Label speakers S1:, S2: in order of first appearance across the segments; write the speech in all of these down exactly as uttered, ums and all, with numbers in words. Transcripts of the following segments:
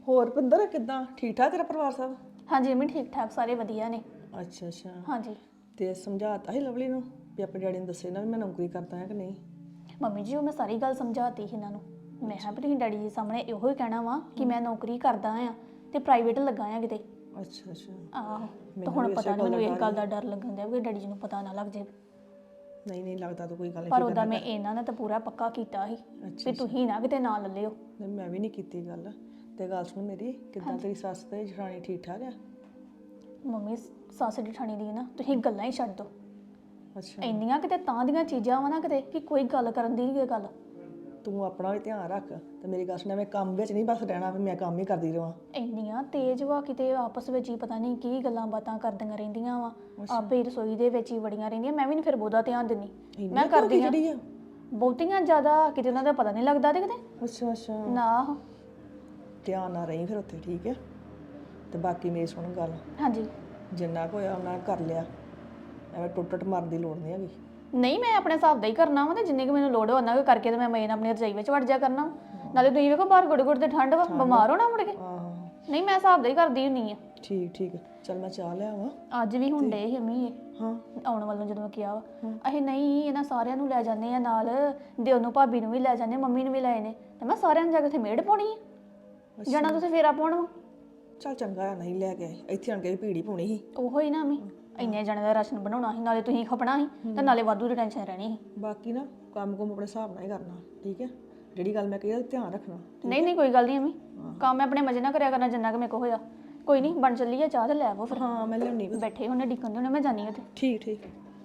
S1: ਹੋਰ ਪਿੰਦਰ ਕਿੱਦਾਂ ਠੀਕ ਠਾਕ ਤੇਰਾ ਪਰਿਵਾਰ ਸਭ?
S2: ਹਾਂਜੀ ਮੰਮੀ ਠੀਕ ਠਾਕ ਸਾਰੇ ਵਧੀਆ ਨੇ।
S1: ਅੱਛਾ ਅੱਛਾ।
S2: ਹਾਂਜੀ
S1: ਤੇ ਸਮਝਾਤਾ ਸੀ ਲਵਲੀ ਨੂੰ ਵੀ ਆਪਣੇ ਡੈਡੀ ਨੂੰ ਦੱਸੇ ਨਾ ਵੀ ਮੈਂ ਨੌਕਰੀ ਕਰਦਾ ਹਾਂ ਕਿ ਨਹੀਂ?
S2: ਮੰਮੀ ਜੀ ਉਹ ਮੈਂ ਸਾਰੀ ਗੱਲ ਸਮਝਾਤੀ ਸੀ ਇਹਨਾਂ ਨੂੰ। ਮੈਂ ਕਿਹਾ ਵੀ ਤੁਸੀਂ ਡੈਡੀ ਜੀ ਸਾਹਮਣੇ ਇਹੋ ਹੀ ਕਹਿਣਾ ਵਾ ਕਿ ਮੈਂ ਨੌਕਰੀ ਕਰਦਾ ਆ ਤੇ ਪ੍ਰਾਈਵੇਟ ਲੱਗਾ ਆ ਕਿਤੇ।
S1: ਅੱਛਾ ਅੱਛਾ।
S2: ਆਹੋ ਤੇ ਹੁਣ ਪਤਾ ਨਹੀਂ ਮੈਨੂੰ ਇਹ ਗੱਲ ਦਾ ਡਰ ਲੱਗਣ ਦਿਆ ਵੀ ਡੈਡੀ ਜੀ ਨੂੰ ਪਤਾ ਨਾ ਲੱਗ ਜੇ।
S1: ਨਹੀਂ ਨਹੀਂ ਲੱਗਦਾ ਤਾਂ ਕੋਈ ਗੱਲ ਨਹੀਂ।
S2: ਪਰ ਉਹਦਾ ਮੈਂ ਇਹਨਾਂ ਨੇ ਤਾਂ ਪੂਰਾ ਪੱਕਾ ਕੀਤਾ ਸੀ ਵੀ ਤੁਸੀਂ ਨਾ ਕਿਤੇ ਨਾ ਲੈ ਲਿਓ।
S1: ਮੈਂ ਵੀ ਨਹੀਂ ਕੀਤੀ ਗੱਲ। ਤੇ ਗੱਲ ਸੁਣ ਮੇਰੀ, ਕਿੱਦਾਂ ਤੇਰੀ ਸੱਸ ਤੇ ਜਠਾਣੀ ਠੀਕ ਠਾਕ ਆ?
S2: ਮੰਮੀ ਸੱਸ ਜਠਾਣੀ ਦੀ ਨਾ ਤੁਸੀਂ ਗੱਲਾਂ ਹੀ ਛੱਡ ਦੋ।
S1: ਅੱਛਾ।
S2: ਇੰਨੀਆਂ ਕਿਤੇ ਤਾਂ ਦੀਆਂ ਚੀਜ਼ਾਂ ਵਾ ਨਾ ਕਿਤੇ ਕਿ ਕੋਈ ਗੱਲ ਕਰਨ ਦੀ ਨਹੀਂ ਗੱਲ।
S1: ਤੂੰ ਆਪਣਾ ਵੀ ਧਿਆਨ ਰੱਖ ਤੇ ਮੇਰੀ ਗੱਲ ਸੁਣ, ਮੈਂ ਕੰਮ ਵਿੱਚ ਨਹੀਂ ਬਸ ਰਹਿਣਾ ਵੀ ਮੈਂ ਕੰਮ ਹੀ ਕਰਦੀ ਰਹਾਂ।
S2: ਇੰਨੀਆਂ ਤੇਜ਼ ਵਾ ਕਿਤੇ ਆਪਸ ਵਿੱਚ ਹੀ ਪਤਾ ਨਹੀਂ ਕੀ ਗੱਲਾਂ ਬਾਤਾਂ ਕਰਦੀਆਂ ਰਹਿੰਦੀਆਂ ਵਾ। ਆਪੇ ਰਸੋਈ ਦੇ ਵਿੱਚ ਹੀ ਵੜੀਆਂ ਰਹਿੰਦੀਆਂ। ਮੈਂ ਵੀ ਨਹੀਂ ਫਿਰ ਬਹੁਤਾ ਧਿਆਨ ਦਿੰਦੀ। ਮੈਂ ਕਰਦੀ ਆ ਬਹੁਤੀਆਂ ਜ਼ਿਆਦਾ ਕਿਤੇ ਉਹਨਾਂ ਦਾ ਪਤਾ ਨਹੀਂ ਲੱਗਦਾ ਤੇ ਕਿਤੇ।
S1: ਅੱਛਾ ਅੱਛਾ।
S2: ਨਾ
S1: ਧਿਆਨ ਨਾਲ ਰਹੀ ਫਿਰ ਉੱਥੇ, ਠੀਕ ਹੈ? ਤੇ ਬਾਕੀ ਮੇਰੀ ਸੁਣ ਗੱਲ।
S2: ਹਾਂਜੀ।
S1: ਜਿੰਨਾ ਕੁ ਹੋਇਆ ਉਹਨਾਂ ਕਰ ਲਿਆ, ਐਵੇਂ ਟੁੱਟ ਟੁੱਟ ਮਰਨ ਦੀ ਲੋੜ ਨਹੀਂ ਹੈਗੀ।
S2: ਨਹੀਂ ਮੈਂ ਆਪਣੇ ਹਿਸਾਬ ਦਾ ਹੀ ਕਰਨਾ ਵਾ ਤੇ ਜਿੰਨੀ ਕੁ ਮੈਨੂੰ ਲੋੜ ਉਹਨਾਂ ਕੁ ਕਰਕੇ ਤੇ ਮੈਂ ਮੇਨ ਆਪਣੀ ਰਜਾਈ ਵਿੱਚ ਵੜ ਜਾ ਕਰਨਾ। ਨਾਲੇ ਤੁਸੀਂ ਵੇਖੋ ਬਾਹਰ ਗੁੜ ਗੁੜ ਤੇ ਠੰਡ ਵਾ, ਬਿਮਾਰ ਹੋਣਾ ਮੁੜ ਕੇ। ਨਹੀਂ ਮੈਂ ਹਿਸਾਬ ਦਾ ਹੀ ਕਰਦੀ ਹੁੰਨੀ ਆ।
S1: ਠੀਕ ਠੀਕ। ਚੱਲ ਮੈਂ ਚਾਹ ਲਿਆਵਾਂ।
S2: ਅੱਜ ਵੀ ਹੁਣ ਡੇ ਹਮੀ ਇਹ
S1: ਹਾਂ
S2: ਆਉਣ ਵੱਲੋਂ ਜਦੋਂ ਮੈਂ ਕਿਹਾ ਵਾ ਅਸੀਂ ਨਹੀਂ ਇਹਨਾਂ ਸਾਰਿਆਂ ਨੂੰ ਲੈ ਜਾਂਦੇ ਆ ਨਾਲ, ਦਿਓ ਨੂੰ ਭਾਬੀ ਨੂੰ ਵੀ ਲੈ ਜਾਂਦੇ, ਮੰਮੀ ਨੂੰ ਵੀ ਲੈ ਨੇ ਤੇ ਮੈਂ ਸਾਰਿਆਂ ਨੂੰ ਜਾ ਕੇ ਉੱਥੇ ਮੇੜ ਪਾਉਣੀ ਆ। ਜਾਣਾ ਤੁਸੀਂ ਫੇਰਾ ਪਾਉਣ ਵਾ।
S1: ਚੱਲ ਚੰਗਾ ਆ ਨਹੀਂ ਲੈ ਕੇ ਆਏ, ਇੱਥੇ ਆਣ ਕੇ ਵੀ ਭੀੜੀ ਪਾਉਣੀ ਸੀ।
S2: ਉਹੋ ਹੀ ਨਾ ਮੈਂ ਇੰਨੇ ਜਣੇ ਦਾ ਰਾਸ਼ਨ ਬਣਾਉਣਾ ਸੀ, ਨਾਲੇ ਤੁਸੀਂ ਖਪਣਾ ਸੀ ਤੇ ਨਾਲੇ ਵਾਧੂ ਦੀ ਟੈਨਸ਼ਨ ਰਹਿਣੀ ਸੀ।
S1: ਬਾਕੀ ਨਾ ਕੰਮ ਕੁਮ ਆਪਣੇ ਹਿਸਾਬ ਨਾਲ ਹੀ ਕਰਨਾ, ਠੀਕ ਹੈ? ਜਿਹੜੀ ਗੱਲ ਮੈਂ ਕਹੀ ਧਿਆਨ ਰੱਖਣਾ।
S2: ਨਹੀਂ ਨਹੀਂ ਕੋਈ ਗੱਲ ਨਹੀਂ ਅਮੀ, ਕੰਮ ਮੈਂ ਆਪਣੇ ਮਜ਼ੇ ਨਾਲ ਕਰਿਆ ਕਰਨਾ ਜਿੰਨਾ ਕਿ ਮੇਰੇ ਕੋ ਹੋਇਆ। ਕੋਈ ਨਹੀਂ ਬਣ ਚੱਲੀ ਆ ਚਾਹ ਤੇ ਲੈ ਆਵੋ ਫਿਰ।
S1: ਹਾਂ ਮੈਂ ਲਿਆਉਣੀ।
S2: ਬੈਠੇ ਹੁੰਨੇ ਡਿੱਕਣ ਦੇ ਹੁੰਨੇ, ਮੈਂ ਜਾਣੀ ਉੱਥੇ।
S1: ਠੀਕ ਠੀਕ।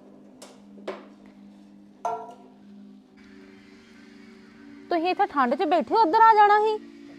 S3: ਤੁਸੀਂ ਇੱਥੇ ਠੰਡ 'ਚ ਬੈਠੇ ਉੱਧਰ ਆ ਜਾਣਾ ਸੀ।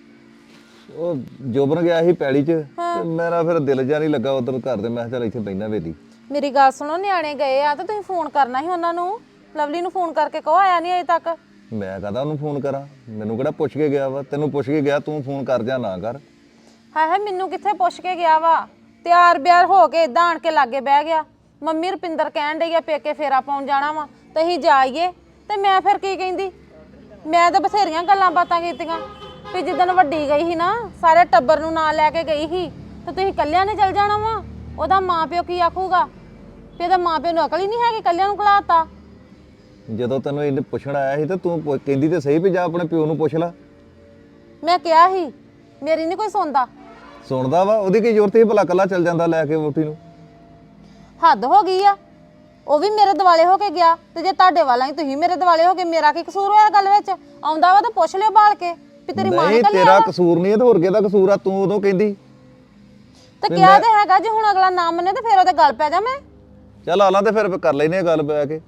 S4: ਉਹ ਜੋਬਨ ਗਿਆ ਸੀ ਪੈਲੀ 'ਚ ਤੇ ਮੇਰਾ ਫਿਰ ਦਿਲ ਜਿਹਾ ਨਹੀਂ ਲੱਗਾ ਉਧਰ ਘਰ ਦੇ। ਮੈਂ ਕਿਹਾ ਚੱਲ ਇੱਥੇ ਬੈਠਾ ਵੇਲੀ।
S3: ਮੇਰੀ ਗੱਲ ਸੁਣੋ, ਨਿਆਣੇ ਗਏ ਆ ਤੇ ਤੁਸੀਂ ਫੋਨ ਕਰਨਾ ਸੀ ਉਹਨਾਂ ਨੂੰ। ਲਵਲੀ ਨੂੰ ਫੋਨ ਕਰਕੇ ਕਹੋ ਆਇਆ ਨਹੀਂ ਅਜੇ ਤੱਕ।
S4: ਮੈਂ ਕਹਦਾ ਉਹਨੂੰ ਫੋਨ ਕਰਾਂ? ਮੈਨੂੰ ਕਿਹੜਾ ਪੁੱਛ ਕੇ ਗਿਆ ਵਾ? ਤੈਨੂੰ ਪੁੱਛ ਕੇ ਗਿਆ, ਤੂੰ ਫੋਨ ਕਰ ਜਾਂ ਨਾ ਕਰ।
S3: ਹਾਏ ਹਾਏ ਮੈਨੂੰ ਕਿੱਥੇ ਪੁੱਛ ਕੇ ਗਿਆ ਵਾ? ਤਿਆਰ ਬਿਆਰ ਹੋ ਕੇ ਇਦਾਂ ਆਣ ਕੇ ਲਾਗੇ ਬਹਿ ਗਿਆ। ਮੰਮੀ ਰੁਪਿੰਦਰ ਕਹਿਣ ਡਈ ਆ ਪੇਕੇ ਫੇਰਾ ਪਾਉਣ ਜਾਣਾ ਵਾ ਤੇ ਅਸੀਂ ਜਾਈਏ। ਤੇ ਮੈਂ ਫਿਰ ਕੀ ਕਹਿੰਦੀ? ਮੈਂ ਤਾਂ ਬਥੇਰੀਆਂ ਗੱਲਾਂ ਬਾਤਾਂ ਕੀਤੀਆਂ ਵੀ ਜਿੱਦਣ ਵੱਡੀ ਗਈ ਸੀ ਨਾ ਸਾਰੇ ਟੱਬਰ ਨੂੰ ਨਾਲ ਲੈ ਕੇ ਗਈ ਸੀ ਤੇ ਤੁਸੀਂ ਇਕੱਲਿਆਂ ਨੇ ਚੱਲ ਜਾਣਾ ਵਾ। ਉਹਦਾ ਮਾਂ ਪਿਓ ਕੀ ਆਖੂਗਾ ਵੀ ਇਹਦਾ ਮਾਂ ਪਿਓ ਨੂੰ ਅਕਲ ਹੀ ਨਹੀਂ ਹੈਗੀ, ਇਕੱਲਿਆਂ ਨੂੰ ਘਲਾਤਾ।
S4: ਜਦੋਂ ਤੈਨੂੰ ਇਹਨੇ ਪੁੱਛਣ ਆਇਆ ਸੀ ਤੇ ਤੂੰ ਪੁੱਛ- ਕਹਿੰਦੀ ਤੇ ਸਹੀ ਵੀ ਜਾ ਆਪਣੇ ਪਿਓ ਨੂੰ ਪੁੱਛ ਲੈ।
S3: ਮੈਂ ਕਿਹਾ ਸੀ ਮੇਰੀ ਨਹੀਂ ਕੋਈ ਸੁਣਦਾ।
S4: ਸੁਣਦਾ ਵਾ, ਉਹਦੀ ਕੀ ਜ਼ਰੂਰਤ ਸੀ ਭਲਾ ਕੱਲਾ ਚੱਲ ਜਾਂਦਾ ਲੈ ਕੇ ਵੋਟੀ ਨੂੰ?
S3: ਹੱਦ ਹੋ ਗਈ ਆ। ਉਹ ਵੀ ਮੇਰੇ ਦਿਵਾਲੇ ਹੋ ਕੇ ਗਿਆ ਤੇ ਜੇ ਤੁਹਾਡੇ ਵਾਲਾ ਹੀ ਤੁਸੀਂ ਮੇਰੇ ਦਿਵਾਲੇ ਹੋ ਕੇ, ਮੇਰਾ ਕੀ ਕਸੂਰ ਹੋਇਆ ਗੱਲ ਵਿੱਚ? ਆਉਂਦਾ ਵਾ ਤਾਂ ਪੁੱਛ ਲਿਓ ਬਾਲ ਕੇ ਵੀ ਤੇਰੀ ਮਾਂ ਨੇ
S4: ਨਹੀਂ
S3: ਕੱਲਿਆ
S4: ਤੇਰਾ ਕਸੂਰ ਨਹੀਂ, ਤੇ ਹੋਰ ਕਿਹਦਾ ਕਸੂਰ ਆ? ਤੂੰ ਉਦੋਂ ਕਹਿੰਦੀ
S3: ਤੇ ਕਿਹਾ ਤੇ ਹੈਗਾ, ਜੇ ਹੁਣ ਅਗਲਾ ਨਾ ਮੰਨੇ ਤੇ ਫਿਰ ਉਹਦੇ ਗੱਲ ਪੈ ਜਾ ਮੈਂ।
S4: ਚੱਲ ਆ ਲਾ ਤੇ ਫਿਰ ਕਰ ਲੈਨੇ ਆ ਗੱਲ ਬੈ ਕੇ।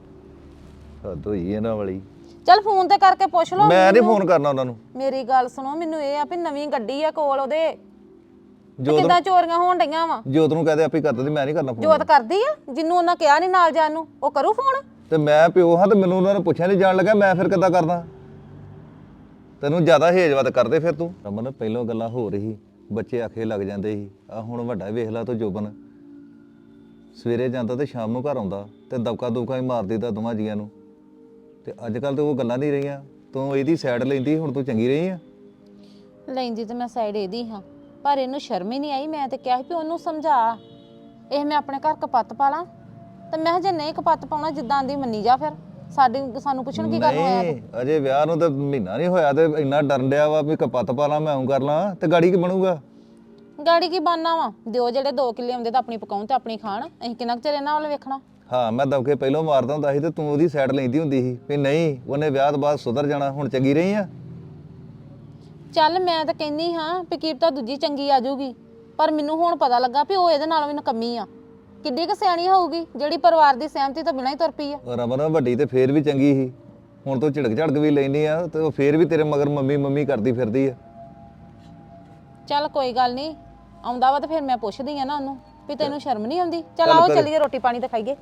S4: ਹੱਦ ਹੋਈ ਇਹਨਾਂ ਵਾਲੀ।
S3: ਚੱਲ ਫੋਨ ਤੇ ਕਰਕੇ ਪੁੱਛ ਲਓ।
S4: ਮੈਂ ਨਹੀਂ ਫੋਨ ਕਰਨਾ ਉਹਨਾਂ ਨੂੰ।
S3: ਮੇਰੀ ਗੱਲ ਸੁਣੋ, ਮੈਨੂੰ ਇਹ ਆ ਵੀ ਨਵੀਂ ਗੱਡੀ ਆ ਕੋਲ ਉਹਦੇ,
S4: ਜੋਤ
S3: ਕਿੱਦਾਂ ਚੋਰੀਆਂ ਹੋਣ ਡਈਆਂ ਵਾ।
S4: ਜੋਤ ਨੂੰ ਕਹਦੇ ਆਪੇ ਕਰ ਦਿੰਦੀ, ਮੈਂ ਨਹੀਂ ਕਰਨਾ ਫੋਨ।
S3: ਜੋਤ ਕਰਦੀ ਆ, ਜਿੰਨੂੰ ਉਹਨਾਂ ਕਿਹਾ ਨਹੀਂ ਨਾਲ ਜਾਣ ਨੂੰ ਉਹ ਕਰੂ ਫੋਨ।
S4: ਤੇ ਮੈਂ ਪਿਓ ਹਾਂ ਤੇ ਮੈਨੂੰ ਉਹਨਾਂ ਨੇ ਪੁੱਛਿਆ ਨਹੀਂ ਜਾਣ ਲੱਗਾ, ਮੈਂ ਫਿਰ ਕਿੱਦਾਂ ਕਰਦਾ? ਤੈਨੂੰ ਜ਼ਿਆਦਾ ਹੇਜਵਤ ਕਰਦੇ ਫਿਰ ਤੂੰ। ਰਮਨ ਪਹਿਲਾਂ ਗੱਲਾਂ ਹੋ ਰਹੀ, ਬੱਚੇ ਆਖੇ ਲੱਗ ਜਾਂਦੇ ਸੀ। ਆ ਹੁਣ ਵੱਡਾ ਵੇਖ ਲਾ ਤੂੰ ਜੋਬਨ, ਸਵੇਰੇ ਜਾਂਦਾ ਤੇ ਸ਼ਾਮ ਨੂੰ ਘਰ ਆਉਂਦਾ ਤੇ ਦਬਕਾ ਦੁਬਕਾ ਹੀ ਮਾਰ ਦਿੱਤਾ ਦੋਵਾਂ ਜੀਆਂ ਨੂੰ। ਤੇ ਅੱਜ ਕੱਲ ਤੇ ਉਹ ਗੱਲਾਂ ਨਹੀਂ ਰਹੀਆਂ। ਤੂੰ ਇਹਦੀ ਸਾਈਡ ਲੈਂਦੀ, ਹੁਣ ਤੂੰ ਚੰਗੀ ਰਹੀ ਆ।
S3: ਲੈਂਦੀ ਤੇ ਮੈਂ ਸਾਈਡ ਇਹਦੀ ਹਾਂ, ਪਰ ਇਹਨੂੰ ਸ਼ਰਮ ਹੀ ਨਹੀਂ ਆਈ। ਮੈਂ ਤੇ ਕਿਹਾ ਸੀ ਵੀ ਉਹਨੂੰ ਸਮਝਾ, ਇਹ ਮੈਂ ਆਪਣੇ ਘਰ ਕਪੱਤ ਪਾ ਲਾਂ। ਤੇ ਮੈਂ ਜੇ ਨਹੀਂ ਕਪੱਤ ਪਾਉਣਾ ਜਿੱਦਾਂ ਦੀ ਮੰਨੀ ਜਾ, ਫਿਰ ਸਾਡੀ ਸਾਨੂੰ ਪੁੱਛਣ ਕੀ ਕਰਨ ਹੋਇਆ?
S4: ਨਹੀਂ ਅਜੇ ਵਿਆਹ ਨੂੰ ਤਾਂ ਮਹੀਨਾ ਨਹੀਂ ਹੋਇਆ ਤੇ ਇੰਨਾ ਡਰਨ ਡਿਆ ਵਾ ਵੀ ਕਪੱਤ ਪਾ ਲਾਂ, ਮੈਂ ਆਉਂ ਕਰ ਲਾਂ ਤੇ ਗਾੜੀ ਕੀ ਬਣੂਗਾ?
S3: ਗਾੜੀ ਕੀ ਬਾਨਾ ਵਾ? ਦਿਓ ਜਿਹੜੇ ਦੋ ਕਿੱਲੇ ਆਉਂਦੇ ਤਾਂ ਆਪਣੀ ਪਕਾਉਣ ਤੇ ਆਪਣੀ ਖਾਣ। ਅਸੀਂ ਕਿੰਨਾ ਕੁ ਚਿਰ ਇਹਨਾਂ ਵੱਲ ਵੇਖਣਾ?
S4: ਹਾਂ ਮੈਂ ਦਬਕੇ ਪਹਿਲਾਂ ਮਾਰਦਾ ਹੁੰਦਾ ਸੀ ਤੇ ਤੂੰ ਉਹਦੀ ਸਾਈਡ ਲੈਂਦੀ ਹੁੰਦੀ ਸੀ ਵੀ ਨਹੀਂ ਉਹਨੇ ਵਿਆਹ ਤੋਂ ਬਾਅਦ ਸੁਧਰ ਜਾਣਾ। ਹੁਣ ਚੰਗੀ ਰਹੀ ਆ।
S3: ਚੱਲ ਮੈਂ ਤਾਂ ਕਹਿੰਦੀ ਹਾਂ ਵੀ ਕੀ ਤਾਂ ਦੂਜੀ ਚੰਗੀ ਆ ਜਾਊਗੀ, ਪਰ ਮੈਨੂੰ ਹੁਣ ਪਤਾ ਲੱਗਾ ਵੀ ਉਹ ਇਹਦੇ ਨਾਲੋਂ ਵੀ ਨਕੰਮੀ ਆ। ਕਿੱਡੀ ਕੁ ਸਿਆਣੀ ਹੋਊਗੀ ਜਿਹੜੀ ਪਰਿਵਾਰ ਦੀ ਸਹਿਮਤੀ ਤੋਂ ਬਿਨਾਂ ਹੀ ਤੁਰ ਪਈ ਆ।
S4: ਰਮਨ ਵੱਡੀ ਤੇ ਫੇਰ ਵੀ ਚੰਗੀ ਸੀ, ਹੁਣ ਤੂੰ ਝਿੜਕ ਝੜਕ ਵੀ ਲੈਣੀ ਆ ਤੇ ਉਹ ਫੇਰ ਵੀ ਤੇਰੇ ਮਗਰ ਮੰਮੀ ਮੰਮੀ ਕਰਦੀ ਫਿਰਦੀ ਆ।
S3: ਚੱਲ ਕੋਈ ਗੱਲ ਨਹੀਂ, ਆਉਂਦਾ ਵਾ ਤੇ ਫਿਰ ਮੈਂ ਪੁੱਛਦੀ ਆ ਨਾ ਉਹਨੂੰ ਵੀ ਤੈਨੂੰ ਸ਼ਰਮ ਨਹੀਂ ਆਉਂਦੀ? ਚੱਲ ਆਓ ਚੱਲੀਏ ਰੋਟੀ ਪਾਣੀ ਤੇ ਖਾਈਏ।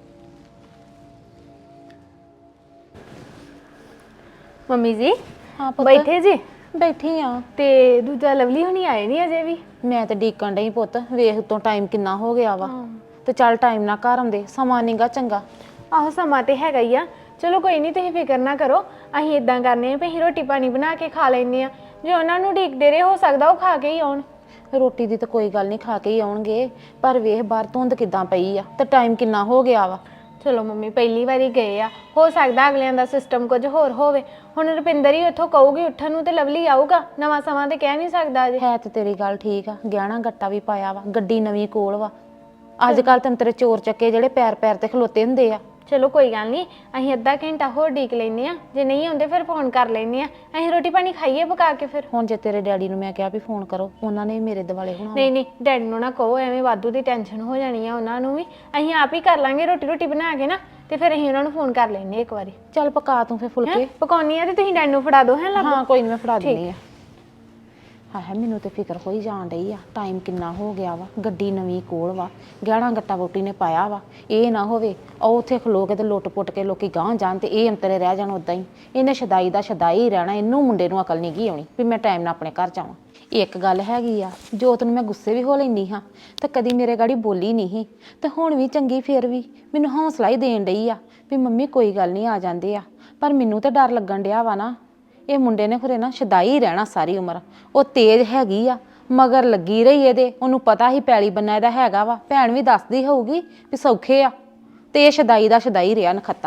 S5: ਮੰਮੀ ਜੀ
S3: ਹਾਂ ਪੁੱਤ
S5: ਬੈਠੇ ਜੀ?
S3: ਬੈਠੀ ਆ।
S5: ਤੇ ਦੂਜਾ ਲਵਲੀ ਹੁਣੀ ਆਏ ਨਹੀਂ ਅਜੇ ਵੀ?
S3: ਮੈਂ ਤੇ ਡੀਕਣ ਡਈ ਪੁੱਤ, ਵੇਖ ਤੋਂ ਟਾਈਮ ਕਿੰਨਾ ਹੋ ਗਿਆ ਵਾ। ਤੇ ਚੱਲ ਟਾਈਮ ਨਾਲ ਘਰ ਆਉਂਦੇ, ਸਮਾਂ ਨੀਗਾ ਚੰਗਾ।
S5: ਆਹੋ ਸਮਾਂ ਤੇ ਹੈਗਾ ਹੀ ਆ। ਚਲੋ ਕੋਈ ਨਹੀਂ, ਤੁਸੀਂ ਫਿਕਰ ਨਾ ਕਰੋ। ਅਸੀਂ ਇਦਾਂ ਕਰਨੇ ਆ ਵੀ ਅਸੀਂ ਰੋਟੀ ਪਾਣੀ ਬਣਾ ਕੇ ਖਾ ਲੈਨੇ ਆ। ਜੇ ਉਹਨਾਂ ਨੂੰ ਢੀਕਦੇ ਰਹੇ, ਹੋ ਸਕਦਾ ਉਹ ਖਾ ਕੇ ਹੀ ਆਉਣ।
S3: ਰੋਟੀ ਦੀ ਤਾਂ ਕੋਈ ਗੱਲ ਨਹੀਂ, ਖਾ ਕੇ ਹੀ ਆਉਣਗੇ, ਪਰ ਵੇਖ ਬਾਹਰ ਧੁੰਦ ਕਿੱਦਾਂ ਪਈ ਆ ਤੇ ਟਾਈਮ ਕਿੰਨਾ ਹੋ ਗਿਆ ਵਾ।
S5: ਚਲੋ ਮੰਮੀ ਪਹਿਲੀ ਵਾਰੀ ਗਏ ਆ, ਹੋ ਸਕਦਾ ਅਗਲਿਆਂ ਦਾ ਸਿਸਟਮ ਕੁਝ ਹੋਰ ਹੋਵੇ। ਹੁਣ ਰੁਪਿੰਦਰ ਹੀ ਉੱਥੋਂ ਕਹੂਗੀ ਉੱਠਣ ਨੂੰ ਤੇ ਲਵਲੀ ਆਊਗਾ। ਨਵਾਂ ਸਮਾਂ ਤੇ ਕਹਿ ਨਹੀਂ ਸਕਦਾ ਅਜੇ।
S3: ਹੈ ਤੇ ਤੇਰੀ ਗੱਲ ਠੀਕ ਆ, ਗਹਿਣਾ ਗੱਟਾ ਵੀ ਪਾਇਆ ਵਾ, ਗੱਡੀ ਨਵੀਂ ਕੋਲ ਵਾ। ਅੱਜ ਕੱਲ ਤੈਨੂੰ ਤੇਰੇ ਚੋਰ ਚੱਕੇ ਜਿਹੜੇ ਪੈਰ ਪੈਰ ਤੇ ਖਲੋਤੇ ਹੁੰਦੇ ਆ।
S5: ਚਲੋ ਕੋਈ ਗੱਲ ਨਹੀਂ, ਅਸੀਂ ਅੱਧਾ ਘੰਟਾ ਹੋਰ ਢੀਕ ਲੈਨੇ ਆ। ਜੇ ਨਹੀਂ ਆਉਂਦੇ ਫਿਰ ਫੋਨ ਕਰ ਲੈਨੇ ਆ। ਅਸੀਂ ਰੋਟੀ ਪਾਣੀ ਖਾਈਏ ਪਕਾ ਕੇ ਫਿਰ।
S3: ਹੁਣ ਜੇ ਤੇਰੇ ਡੈਡੀ ਨੂੰ ਮੈਂ ਕਿਹਾ ਵੀ ਫੋਨ ਕਰੋ, ਉਹਨਾਂ ਨੇ ਵੀ ਮੇਰੇ ਦਿਵਾਲੇ ਹੋਣਾ।
S5: ਨਹੀਂ ਨਹੀਂ, ਡੈਡੀ ਨੂੰ ਨਾ ਕਹੋ, ਐਵੇਂ ਵਾਧੂ ਦੀ ਟੈਨਸ਼ਨ ਹੋ ਜਾਣੀ ਆ ਉਹਨਾਂ ਨੂੰ ਵੀ। ਅਸੀਂ ਆਪ ਹੀ ਕਰ ਲਾਂਗੇ ਰੋਟੀ ਰੋਟੀ ਬਣਾ ਕੇ ਨਾ, ਤੇ ਫਿਰ ਅਸੀਂ ਉਹਨਾਂ ਨੂੰ ਫੋਨ ਕਰ ਲੈਨੇ ਇੱਕ ਵਾਰੀ।
S3: ਚੱਲ ਪਕਾ ਤੂੰ ਫਿਰ ਫੁਲਕੇ।
S5: ਪਕਾਉਣੀ ਆ ਤੇ ਤੁਸੀਂ ਡੈਡੀ ਨੂੰ ਫੜਾ ਦਿਓ। ਹੈ ਲੱਭ
S3: ਹਾਂ ਕੋਈ ਨਹੀਂ, ਮੈਂ ਫੜਾ ਦਿੰਦੀ ਆ। ਹਾਂ ਮੈਨੂੰ ਤੇ ਫਿਕਰ ਹੋਈ ਜਾਣ ਡਈ ਆ, ਟਾਈਮ ਕਿੰਨਾ ਹੋ ਗਿਆ ਵਾ, ਗੱਡੀ ਨਵੀਂ ਕੋਲ ਵਾ, ਗਹਿਣਾ ਗੱਟਾ ਵੋਟੀ ਨੇ ਪਾਇਆ ਵਾ। ਇਹ ਨਾ ਹੋਵੇ ਉਹ ਉੱਥੇ ਖਲੋ ਕੇ ਤੇ ਲੁੱਟ ਪੁੱਟ ਕੇ ਲੋਕੀ ਗਾਂਹ ਜਾਣ ਤੇ ਇਹ ਅੰਤਰੇ ਰਹਿ ਜਾਣ ਉਦਾਂ ਹੀ। ਇਹਨੇ ਸ਼ਦਾਈ ਦਾ ਸ਼ਦਾਈ ਰਹਿਣਾ, ਇਹਨੂੰ ਮੁੰਡੇ ਨੂੰ ਅਕਲ ਨਹੀਂ ਗਈ ਆਉਣੀ ਵੀ ਮੈਂ ਟਾਈਮ ਨਾਲ ਆਪਣੇ ਘਰ ਜਾਵਾਂ। ਇੱਕ ਗੱਲ ਹੈਗੀ ਆ, ਜੋਤ ਨੂੰ ਮੈਂ ਗੁੱਸੇ ਵੀ ਹੋ ਲੈਂਦੀ ਹਾਂ ਤੇ ਕਦੀ ਮੇਰੇ ਗਾੜੀ ਬੋਲੀ ਨਹੀਂ ਸੀ, ਤੇ ਹੁਣ ਵੀ ਚੰਗੀ ਫਿਰ ਵੀ ਮੈਨੂੰ ਹੌਸਲਾ ਹੀ ਦੇਣ ਡਈ ਆ ਵੀ ਮੰਮੀ ਕੋਈ ਗੱਲ ਨਹੀਂ, ਆ ਜਾਂਦੇ ਆ। ਪਰ ਮੈਨੂੰ ਤਾਂ ਡਰ ਲੱਗਣ ਡਿਆ ਵਾ ਨਾ, ਇਹ ਮੁੰਡੇ ਨੇ ਖਰੇ ਨਾ ਸ਼ਦਾਈ ਰਹਿਣਾ ਸਾਰੀ ਉਮਰ। ਉਹ ਤੇਜ਼ ਹੈਗੀ ਆ, ਮਗਰ ਲੱਗੀ ਰਹੀ ਇਹਦੇ, ਉਹਨੂੰ ਪਤਾ ਹੀ ਪੈਲੀ ਬੰਨਾ ਇਹਦਾ ਹੈਗਾ ਵਾ। ਭੈਣ ਵੀ ਦੱਸਦੀ ਹੋਊਗੀ ਵੀ ਸੌਖੇ ਆ, ਤੇ ਇਹ ਸ਼ਦਾਈ ਦਾ ਸ਼ਦਾਈ ਰਿਹਾ ਨਖੱਤਾ।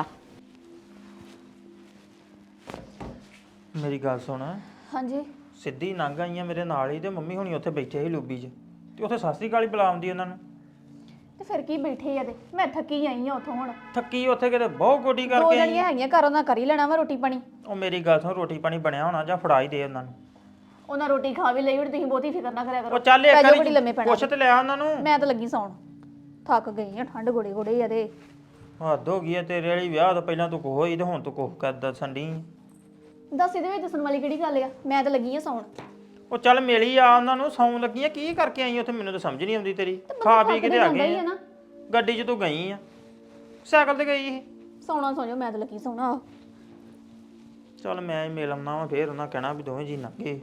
S6: ਮੇਰੀ ਗੱਲ ਸੁਣ,
S2: ਹਾਂਜੀ
S6: ਸਿੱਧੀ ਲੰਘ ਆਈਆਂ ਮੇਰੇ ਨਾਲ ਹੀ, ਤੇ ਮੰਮੀ ਹੁਣੀ ਉੱਥੇ ਬੈਠੇ ਸੀ ਲੋਬੀ 'ਚ, ਤੇ ਉੱਥੇ ਸਤਿ ਸ੍ਰੀ ਅਕਾਲ ਹੀ ਬੁਲਾਉਂਦੀ ਉਹਨਾਂ ਨੂੰ।
S2: ਤੇ ਫਿਰ ਕੀ ਬੈਠੇ ਆ ਤੇ ਮੈਂ ਥੱਕੀ ਆਈ ਆ ਉੱਥੋਂ। ਹੁਣ
S6: ਥੱਕੀ ਉੱਥੇ ਕਿਤੇ ਬਹੁਤ ਗੋਡੀ
S2: ਦੋ
S6: ਕਰਕੇ ਆਈ।
S2: ਜਣੀਆਂ ਹੈਗੀਆਂ ਘਰੋਂ ਦਾ ਕਰ ਹੀ ਲੈਣਾ ਵਾ ਰੋਟੀ ਪਾਣੀ।
S6: ਉਹ ਮੇਰੀ ਗੱਲ ਸੁਣ, ਰੋਟੀ ਪਾਣੀ ਬਣਿਆ ਹੋਣਾ ਜਾਂ ਫੜਾ ਹੀ ਦੇ ਉਹਨਾਂ ਨੂੰ।
S2: ਉਹਨਾਂ ਰੋਟੀ ਖਾ ਵੀ ਲਈ ਹੁਣ, ਤੁਸੀਂ ਬਹੁਤੀ ਫਿਕਰ ਨਾ ਕਰਿਆ ਕਰੋ।
S6: ਉਹ ਚੱਲ
S2: ਪੈ
S6: ਇੱਕ
S2: ਜਾਓ ਘੜੀ ਲੰਮੇ
S6: ਵਾਰੀ
S2: ਪੈਣਾ।
S6: ਪੁੱਛ ਤੇ ਲਿਆ ਉਹਨਾਂ ਨੂੰ।
S2: ਮੈਂ ਤਾਂ ਲੱਗੀ ਸੌਣ, ਥੱਕ ਗਈ ਆ, ਠੰਡ ਗੋੜੇ ਗੋੜੇ ਆ ਤੇ।
S6: ਹੱਦ ਹੋ ਗਈ ਹੈ ਤੇਰੇ ਵਾਲੀ, ਵਿਆਹ ਤੋਂ ਪਹਿਲਾਂ ਤੂੰ ਕੋਹ ਹੋਈ ਤੇ ਹੁਣ ਤੂੰ ਕੋਹ ਕਰ ਦੱਸਣ ਡਈ।
S2: ਦੱਸ ਇਹਦੇ ਵਿੱਚ ਦੱਸਣ ਵਾਲੀ ਕਿਹੜੀ ਗੱਲ ਆ, ਮੈਂ ਤਾਂ ਲੱਗੀ ਆ ਸੌਣ।
S6: ਉਹ ਚੱਲ ਮਿਲੀ ਆ ਉਹਨਾਂ ਨੂੰ, ਸੌਣ ਲੱਗੀਆਂ ਕੀ ਕਰਕੇ ਆਈ ਉੱਥੇ, ਮੈਨੂੰ ਤਾਂ ਸਮਝ ਨਹੀਂ ਆਉਂਦੀ ਤੇਰੀ। ਖਾ ਪੀ ਕੇ ਤੇ ਆ ਗਈ ਆ। ਗੱਡੀ 'ਚ ਤੂੰ ਗਈ ਆ, ਸਾਈਕਲ ਤੇ ਗਈ ਸੀ।
S2: ਸੌਣਾ ਸੌ ਜਾਓ, ਮੈਂ ਤਾਂ ਲੱਗੀ ਸੌਣਾ।
S6: ਚੱਲ ਮੈਂ ਹੀ ਮਿਲ ਆਉਣਾ ਵਾ, ਫੇਰ ਉਹਨਾਂ ਕਹਿਣਾ ਵੀ ਦੋਵੇਂ ਜੀ ਲੰਘੇ।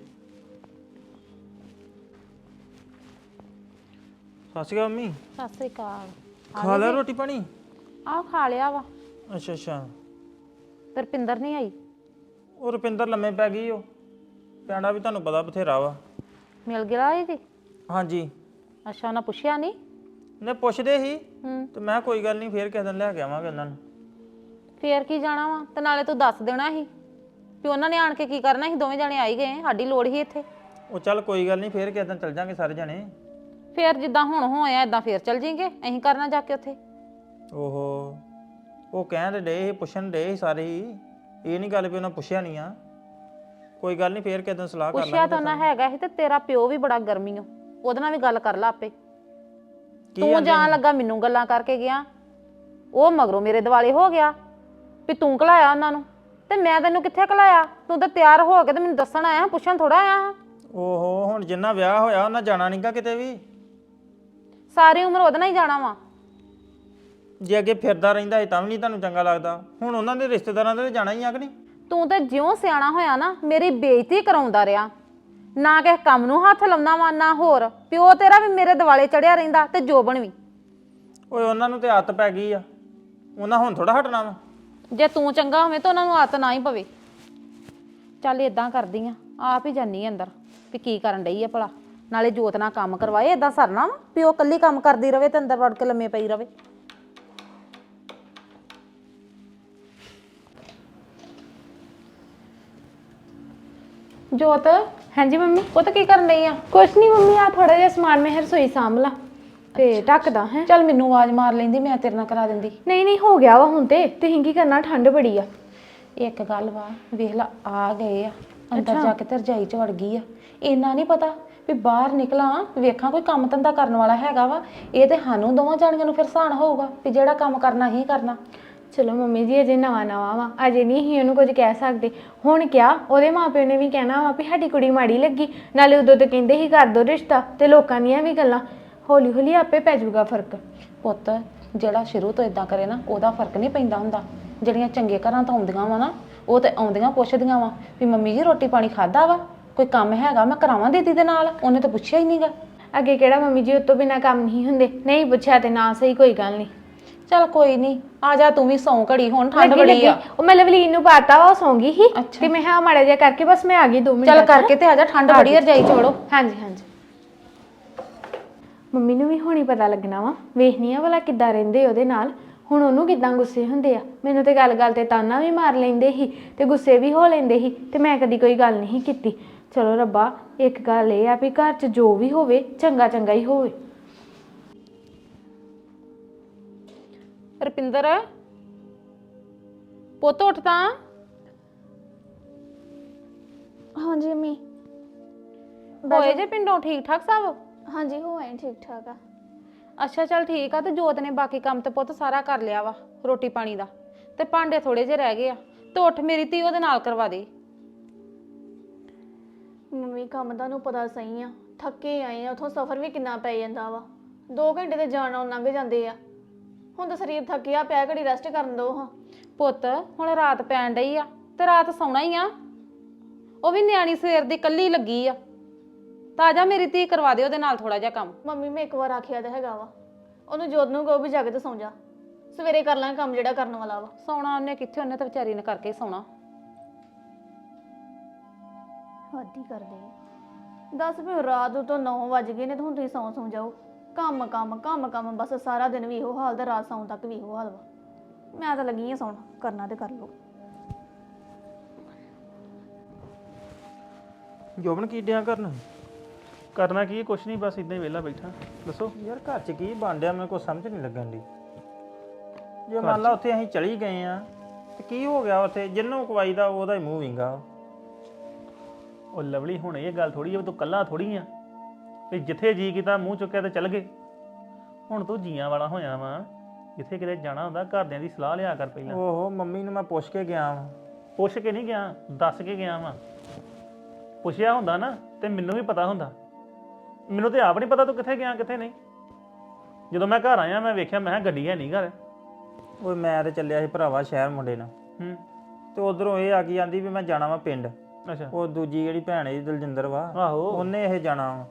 S6: ਸਤਿ ਸ਼੍ਰੀ ਅਕਾਲ ਮੰਮੀ।
S3: ਸਤਿ ਸ੍ਰੀ ਅਕਾਲ।
S6: ਖਾ ਲਿਆ ਰੋਟੀ ਪਾਣੀ?
S3: ਆਹ ਖਾ ਲਿਆ ਵਾ।
S6: ਅੱਛਾ ਅੱਛਾ।
S3: ਤੇ ਰੁਪਿੰਦਰ ਨਹੀਂ ਆਈ?
S6: ਉਹ ਰੁਪਿੰਦਰ ਲੰਮੇ ਪੈ ਗਈ। ਉਹ ਪੈਣਾ ਵੀ ਤੁਹਾਨੂੰ ਪਤਾ ਬਥੇਰਾ ਵਾ।
S3: ਮਿਲ ਗਿਆ ਆਈ ਜੀ?
S6: ਹਾਂਜੀ।
S3: ਅੱਛਾ, ਉਹਨਾਂ ਪੁੱਛਿਆ ਨਹੀਂ?
S6: ਨੇ ਪੁੱਛਦੇ ਸੀ
S3: ਹੂੰ।
S6: ਤੇ ਮੈਂ ਕੋਈ ਗੱਲ ਨਹੀਂ, ਫੇਰ ਕਿਸੇ ਦਿਨ ਲੈ ਕੇ ਆਵਾਂਗੇ ਉਹਨਾਂ ਨੂੰ।
S3: ਫੇਰ ਕੀ ਜਾਣਾ ਵਾ, ਤੇ ਨਾਲੇ ਤੂੰ ਦੱਸ ਦੇਣਾ ਸੀ ਵੀ ਉਹਨਾਂ ਨੇ ਆਣ ਕੇ ਕੀ ਕਰਨਾ ਸੀ। ਦੋਵੇਂ ਜਾਣੇ ਆਈ ਗਏ, ਸਾਡੀ ਲੋੜ ਹੀ ਇੱਥੇ।
S6: ਉਹ ਚੱਲ ਕੋਈ ਗੱਲ ਨਹੀਂ, ਫੇਰ ਕਿਸੇ ਦਿਨ ਚੱਲ ਜਾਾਂਗੇ ਸਾਰੇ ਜਣੇ।
S3: ਫੇਰ ਜਿੱਦਾਂ ਹੁਣ ਹੋਇਆ ਇਦਾਂ ਫੇਰ ਚੱਲ ਜਾਈਂਗੇ, ਅਸੀਂ ਕਰਨਾ ਜਾ ਕੇ ਉੱਥੇ।
S6: ਓਹੋ, ਉਹ ਕਹਿਣ ਦੇ ਡੇ ਸੀ, ਪੁੱਛਣ ਡੇ ਸੀ ਸਾਰੇ ਹੀ। ਇਹ ਨਹੀਂ ਗੱਲ ਵੀ ਉਹਨਾਂ ਪੁੱਛਿਆ ਨਹੀਂ ਆ। ਕੋਈ ਗੱਲ ਨਹੀਂ, ਫੇਰ ਕਿਸੇ ਦਿਨ ਸਲਾਹ ਕਰ ਲਾਂਗੇ।
S3: ਪੁੱਛਿਆ ਤਾਂ ਉਹਨਾਂ ਹੈਗਾ ਸੀ, ਤੇ ਤੇਰਾ ਪਿਓ ਵੀ ਬੜਾ ਗਰਮੀ ਓ, ਉਹਦੇ ਨਾਲ ਵੀ ਗੱਲ ਕਰ ਲਾ ਆਪੇ। ਤੂੰ ਜਾਣ ਲੱਗਾ ਮੈਨੂੰ ਗੱਲਾਂ ਕਰਕੇ ਗਿਆ, ਉਹ ਮਗਰੋਂ ਮੇਰੇ ਦਿਵਾਲੇ ਹੋ ਗਿਆ ਵੀ ਤੂੰ ਘਲਾਇਆ ਉਹਨਾਂ ਨੂੰ। ਤੇ ਮੈਂ ਤੈਨੂੰ ਕਿੱਥੇ ਘਲਾਇਆ? ਤੂੰ ਤਾਂ ਤਿਆਰ ਹੋ ਕੇ ਤੇ ਮੈਨੂੰ ਦੱਸਣ ਆਇਆ, ਪੁੱਛਣ ਥੋੜਾ ਆਇਆ।
S6: ਓਹੋ, ਹੁਣ ਜਿੰਨਾ ਵਿਆਹ ਹੋਇਆ ਉਹਨਾਂ ਜਾਣਾ ਨਹੀਂਗਾ ਕਿਤੇ ਵੀ।
S3: ਸਾਰੀ ਉਮਰ ਉਹਦੇ ਨਾਲ ਹੀ ਜਾਣਾ ਵਾ।
S6: ਜੇ ਅੱਗੇ ਫਿਰਦਾ ਰਹਿੰਦਾ ਸੀ ਤਾਂ ਵੀ ਨਹੀਂ ਤੁਹਾਨੂੰ ਚੰਗਾ ਲੱਗਦਾ। ਹੁਣ ਉਹਨਾਂ ਦੇ ਰਿਸ਼ਤੇਦਾਰਾਂ ਦੇ ਜਾਣਾ ਹੀ ਆ ਕਿ ਨਹੀਂ?
S3: ਤੂੰ ਤੇ ਜਿਉਂ ਸਿਆਣਾ ਹੋਇਆ ਨਾ, ਮੇਰੀ ਬੇਇੱਜ਼ਤੀ ਕਰਾਉਂਦਾ ਰਿਹਾ। ਨਾ ਕਿਸੇ ਕੰਮ ਨੂੰ ਹੱਥ ਲਾਉਂਦਾ ਵਾ, ਨਾ ਹੋਰ। ਪਿਓ ਤੇਰਾ ਵੀ ਮੇਰੇ ਦਿਵਾਲੇ ਚੜਿਆ ਰਹਿੰਦਾ, ਤੇ ਜੋਬਨ ਵੀ।
S6: ਓਏ ਉਹਨਾਂ ਨੂੰ ਤੇ ਆਦਤ ਪੈ ਗਈ ਆ, ਉਹਨਾਂ ਹੁਣ ਥੋੜਾ ਹਟਣਾ ਵਾ।
S3: ਜੇ ਤੂੰ ਚੰਗਾ ਹੋਵੇਂ ਤਾਂ ਉਹਨਾਂ ਨੂੰ ਆਦਤ ਨਾ ਹੀ ਪਵੇ। ਚੱਲ ਇਦਾਂ ਕਰਦੀ ਆ, ਆਪ ਹੀ ਜਾਨੀ ਅੰਦਰ ਵੀ ਕੀ ਕਰਨ ਡਈ ਆ ਭਲਾ। ਨਾਲੇ ਜੋਤ ਨਾਲ ਕੰਮ ਕਰਵਾਏ, ਇਦਾਂ ਸਰਨਾ ਵਾ ਪਿਓ ਕੱਲੀ ਕੰਮ ਕਰਦੀ ਰਵੇ ਤੇ ਅੰਦਰ ਵੜ ਕੇ ਲੰਮੇ ਪਈ ਰਵੇ।
S5: ਜੋਤ। ਹਾਂਜੀ ਮੰਮੀ।
S3: ਉਹ ਤਾਂ ਕੀ ਕਰਨ ਡਈ ਆ?
S5: ਕੁਛ ਨਹੀਂ ਮੰਮੀ, ਆ ਥੋੜਾ ਜਿਹਾ ਸਮਾਨ ਮੈਂ ਰਸੋਈ ਸਾਂਭ ਲਾ ਤੇ ਢੱਕਦਾ ਹੈ।
S3: ਚੱਲ ਮੈਨੂੰ ਆਵਾਜ਼ ਮਾਰ ਲੈਂਦੀ, ਮੈਂ ਤੇਰੇ ਨਾਲ ਕਰਾ ਦਿੰਦੀ।
S5: ਨਹੀਂ ਨਹੀਂ, ਹੋ ਗਿਆ ਵਾ ਹੁਣ ਤੇ। ਤੁਸੀਂ ਕੀ ਕਰਨਾ, ਠੰਡ ਬੜੀ ਆ।
S3: ਇੱਕ ਗੱਲ ਵਾ, ਵੇਖ ਲਾ ਆ ਗਏ ਆ ਅੰਦਰ, ਜਾ ਕੇ ਤੇ ਰਜਾਈ ਚ ਵੜ ਗਈ ਆ। ਇੰਨਾ ਨਹੀਂ ਪਤਾ ਵੀ ਬਾਹਰ ਨਿਕਲਾਂ ਵੇਖਾਂ ਕੋਈ ਕੰਮ ਧੰਦਾ ਕਰਨ ਵਾਲਾ ਹੈਗਾ ਵਾ। ਇਹ ਤੇ ਸਾਨੂੰ ਦੋਵਾਂ ਜਾਣੀਆਂ ਨੂੰ ਫਿਰ ਸਾਨ ਹੋਊਗਾ ਵੀ ਜਿਹੜਾ ਕੰਮ ਕਰਨਾ ਹੀ ਕਰਨਾ।
S5: ਚਲੋ ਮੰਮੀ ਜੀ, ਅਜੇ ਨਵਾਂ ਨਵਾਂ ਵਾ, ਅਜੇ ਨਹੀਂ ਹੀ ਉਹਨੂੰ ਕੁਝ ਕਹਿ ਸਕਦੇ। ਹੁਣ ਕਿਹਾ ਉਹਦੇ ਮਾਪਿਓ ਨੇ ਵੀ ਕਹਿਣਾ ਵਾ ਵੀ ਸਾਡੀ ਕੁੜੀ ਮਾੜੀ ਲੱਗੀ। ਨਾਲੇ ਉਦੋਂ ਤਾਂ ਕਹਿੰਦੇ ਹੀ ਕਰ ਦੋ ਰਿਸ਼ਤਾ, ਤੇ ਲੋਕਾਂ ਦੀਆਂ ਵੀ ਗੱਲਾਂ। ਹੌਲੀ ਹੌਲੀ ਆਪੇ ਪੈ ਜਾਊਗਾ ਫਰਕ।
S3: ਪੁੱਤ ਜਿਹੜਾ ਸ਼ੁਰੂ ਤੋਂ ਇਦਾਂ ਕਰੇ ਨਾ, ਉਹਦਾ ਫਰਕ ਨਹੀਂ ਪੈਂਦਾ ਹੁੰਦਾ। ਜਿਹੜੀਆਂ ਚੰਗੇ ਘਰਾਂ ਤੋਂ ਆਉਂਦੀਆਂ ਵਾ ਨਾ, ਉਹ ਤੇ ਆਉਂਦੀਆਂ ਪੁੱਛਦੀਆਂ ਵਾ ਵੀ ਮੰਮੀ ਜੀ ਰੋਟੀ ਪਾਣੀ ਖਾਦਾ ਵਾ, ਕੋਈ ਕੰਮ ਹੈਗਾ ਮੈਂ ਕਰਾਵਾਂ ਦੀਦੀ ਦੇ ਨਾਲ। ਉਹਨੇ ਤਾਂ ਪੁੱਛਿਆ ਹੀ ਨਹੀਂਗਾ।
S5: ਅੱਗੇ ਕਿਹੜਾ ਮੰਮੀ ਜੀ ਉਹ ਤੋਂ ਬਿਨਾਂ ਕੰਮ ਨਹੀਂ ਹੁੰਦੇ। ਨਹੀਂ ਪੁੱਛਿਆ ਤੇ ਨਾ ਸਹੀ, ਕੋਈ ਗੱਲ ਨਹੀਂ।
S3: ਚੱਲ ਕੋਈ ਨਹੀਂ ਆ ਜਾ ਤੂੰ ਵੀ ਸੌਂ ਘੜੀ ਹੁਣ ਠੰਡ
S5: ਲੱਗੀ-
S3: ਬੜੀ ਆ
S5: ਲੱਗੀ। ਉਹ ਮੈਂ ਲਵਲੀਨ ਨੂੰ ਪਾਤਾ ਉਹ ਸੌਂ ਗਈ ਸੀ ਤੇ ਮੈਂ ਹਾਂ ਮਾੜਾ ਜਿਹਾ ਕਰਕੇ ਬਸ ਮੈਂ ਆ ਗਈ ਦੋ ਮਿੰਟ
S3: ਚੱਲ ਕਰਕੇ ਤੇ ਆ ਜਾ ਠੰਡ ਬੜੀ ਆ ਰਜਾਈ ਚ ਵੜੋ
S5: ਹਾਂਜੀ ਹਾਂਜੀ ਮੰਮੀ ਨੂੰ ਵੀ ਹੁਣੀ ਪਤਾ ਲੱਗਣਾ ਵਾ ਵੇਖਨੀ ਆ ਭਲਾ ਕਿੱਦਾਂ ਰਹਿੰਦੇ ਉਹਦੇ ਨਾਲ ਹੁਣ ਉਹਨੂੰ ਕਿੱਦਾਂ ਗੁੱਸੇ ਹੁੰਦੇ ਆ ਮੈਨੂੰ ਤੇ ਗੱਲ-ਗੱਲ ਤੇ ਤਾਨਾ ਵੀ ਮਾਰ ਲੈਂਦੇ ਸੀ ਤੇ ਗੁੱਸੇ ਵੀ ਹੋ ਲੈਂਦੇ ਸੀ ਤੇ ਮੈਂ ਕਦੀ ਕੋਈ ਗੱਲ ਨਹੀਂ ਕੀਤੀ ਚਲੋ ਰੱਬਾ ਇੱਕ ਗੱਲ ਇਹ ਆ ਵੀ ਘਰ 'ਚ ਜੋ ਵੀ ਹੋਵੇ ਚੰਗਾ ਚੰਗਾ ਹੀ ਹੋਵੇ।
S3: ਰੁਪਿੰਦਰ ਪੁੱਤ ਉੱਠ ਤਾਂ
S2: ਹਾਂਜੀ ਮੰਮੀ
S3: ਹੋਏ ਜੇ ਪਿੰਡੋਂ ਠੀਕ ਠਾਕ ਸਭ
S2: ਹਾਂਜੀ ਹੋ ਆਏ ਠੀਕ ਠਾਕ ਆ
S3: ਅੱਛਾ ਚੱਲ ਠੀਕ ਆ ਤੇ ਜੋਤ ਨੇ ਬਾਕੀ ਕੰਮ ਤੇ ਪੁੱਤ ਸਾਰਾ ਕਰ ਲਿਆ ਵਾ ਰੋਟੀ ਪਾਣੀ ਦਾ ਤੇ ਭਾਂਡੇ ਥੋੜੇ ਜਿਹੇ ਰਹਿ ਗਏ ਆ ਤੇ ਉੱਠ ਮੇਰੀ ਧੀ ਉਹਦੇ ਨਾਲ ਕਰਵਾ ਦੇ।
S2: ਮੰਮੀ ਕੰਮ ਦਾ ਨੂੰ ਪਤਾ ਸਹੀ ਆ ਥੱਕੇ ਆਏ ਆ ਉਥੋਂ ਸਫ਼ਰ ਵੀ ਕਿੰਨਾ ਪੈ ਜਾਂਦਾ ਵਾ ਦੋ ਘੰਟੇ ਤੇ ਜਾਣ ਆਉਣ ਲੰਘ ਜਾਂਦੇ ਆ ਹੁਣ ਤਾਂ ਸਰੀਰ ਥੱਕਿਆ ਪਿਆ ਘੜੀ ਰੈਸਟ ਕਰਨ ਦੋ ਹਾਂ
S3: ਪੁੱਤ ਹੁਣ ਰਾਤ ਪੈਣ ਡਈ ਆ ਤੇ ਰਾਤ ਸੌਣਾ ਹੀ ਆ ਉਹ ਵੀ ਨਿਆਣੀ ਸਵੇਰ ਦੀ ਕੱਲੀ ਲੱਗੀ ਆ ਤਾਜਾ ਮੇਰੀ ਧੀ ਕਰਵਾ ਦੇ ਉਹਦੇ ਨਾਲ ਥੋੜਾ ਜਿਹਾ ਕੰਮ।
S2: ਮੰਮੀ ਮੈਂ ਇੱਕ ਵਾਰ ਆਖਿਆ ਤਾਂ ਹੈਗਾ ਵਾ ਉਹਨੂੰ ਜੋਤ ਨੂੰ ਕਹੋ ਵੀ ਜਾ ਕੇ ਤੇ ਸੌਂ ਜਾ ਸਵੇਰੇ ਕਰ ਲਾਂਗੇ ਕੰਮ ਜਿਹੜਾ ਕਰਨ ਵਾਲਾ ਵਾ।
S3: ਸੌਣਾ ਉਹਨੇ ਕਿੱਥੇ ਉਹਨੇ ਤਾਂ ਵਿਚਾਰੀ ਨੇ ਕਰਕੇ ਹੀ ਸੌਣਾ।
S2: ਹੱਦ ਹੀ ਕਰਦੇ ਆ। ਦੱਸ ਵੀ ਰਾਤ ਤੋਂ ਨੌ ਵੱਜ ਗਏ ਨੇ ਤੇ ਹੁਣ ਤੁਸੀਂ ਸੌਂ ਸੌਂ ਜਾਓ ਕੰਮ ਕੰਮ ਕੰਮ ਕੰਮ ਬਸ ਸਾਰਾ ਦਿਨ ਵੀ ਇਹੋ ਹਾਲ ਤੇ ਰਾਤ ਸੌਣ ਤੱਕ ਵੀ ਇਹੋ ਹਾਲ ਵਾ। ਮੈਂ ਤਾਂ ਲੱਗੀ ਆ ਸੌਣ ਕਰਨਾ ਤੇ ਕਰ ਲਓ।
S6: ਜੋਬਨ ਕੀ ਡਿਆ ਕਰਨ
S7: ਕਰਨਾ ਕੀ ਕੁਛ ਨਹੀਂ ਬਸ ਇਦਾਂ ਹੀ ਵਿਹਲਾ ਬੈਠਾ ਦੱਸੋ
S6: ਯਾਰ ਘਰ 'ਚ ਕੀ ਬਣ ਡਿਆ ਮੈਨੂੰ ਕੋਈ ਸਮਝ ਨਹੀਂ ਲੱਗਣ ਦੀ ਜੇ ਮੰਨ ਲਾ ਉੱਥੇ ਅਸੀਂ ਚਲੀ ਗਏ ਆ ਤੇ ਕੀ ਹੋ ਗਿਆ ਉੱਥੇ ਜਿੰਨੂੰ ਕਵਾਈ ਦਾ ਉਹਦਾ ਹੀ ਮੂੰਹ ਵਿੰਗਾ।
S7: ਉਹ ਲਵਲੀ ਹੁਣ ਇਹ ਗੱਲ ਥੋੜੀ ਆ ਤੂੰ ਕੱਲਾ ਥੋੜੀ ਆ ਵੀ ਜਿੱਥੇ ਜੀ ਕੀਤਾ ਮੂੰਹ ਚੁੱਕਿਆ ਤੇ ਚੱਲ ਗਏ। ਹੁਣ ਤੂੰ ਜੀਆਂ ਵਾਲਾ ਹੋਇਆ ਵਾ ਜਿੱਥੇ ਕਿਤੇ ਜਾਣਾ ਹੁੰਦਾ ਘਰਦਿਆਂ ਦੀ ਸਲਾਹ ਲਿਆ ਕਰ ਪਹਿਲਾਂ।
S6: ਓਹੋ ਮੰਮੀ ਨੂੰ ਮੈਂ ਪੁੱਛ ਕੇ ਗਿਆ ਵਾਂ।
S7: ਪੁੱਛ ਕੇ ਨਹੀਂ ਗਿਆ ਦੱਸ ਕੇ ਗਿਆ ਵਾਂ। ਪੁੱਛਿਆ ਹੁੰਦਾ ਨਾ ਤੇ ਮੈਨੂੰ ਵੀ ਪਤਾ ਹੁੰਦਾ। ਮੈਨੂੰ ਤੇ ਆਪ ਨਹੀਂ ਪਤਾ ਤੂੰ ਕਿੱਥੇ ਗਿਆ ਕਿੱਥੇ ਨਹੀਂ। ਜਦੋਂ ਮੈਂ ਘਰ ਆਇਆ ਮੈਂ ਵੇਖਿਆ ਮੈਂ ਕਿਹਾ ਗੱਡੀ ਹੈ ਨਹੀਂ ਘਰ।
S6: ਓਏ ਮੈਂ ਤੇ ਚੱਲਿਆ ਸੀ ਭਰਾਵਾ ਸ਼ਹਿਰ ਮੁੰਡੇ ਨਾਲ
S7: ਹੂੰ
S6: ਤੇ ਉਧਰੋਂ ਇਹ ਆ ਗਈ ਜਾਂਦੀ ਵੀ ਮੈਂ ਜਾਣਾ ਵਾ ਪਿੰਡ।
S7: ਅੱਛਾ
S6: ਉਹ ਦੂਜੀ ਜਿਹੜੀ ਭੈਣ ਹੈ ਦਲਜਿੰਦਰ ਵਾ
S7: ਆਹੋ
S6: ਉਹਨੇ ਇਹ ਜਾਣਾ ਵਾ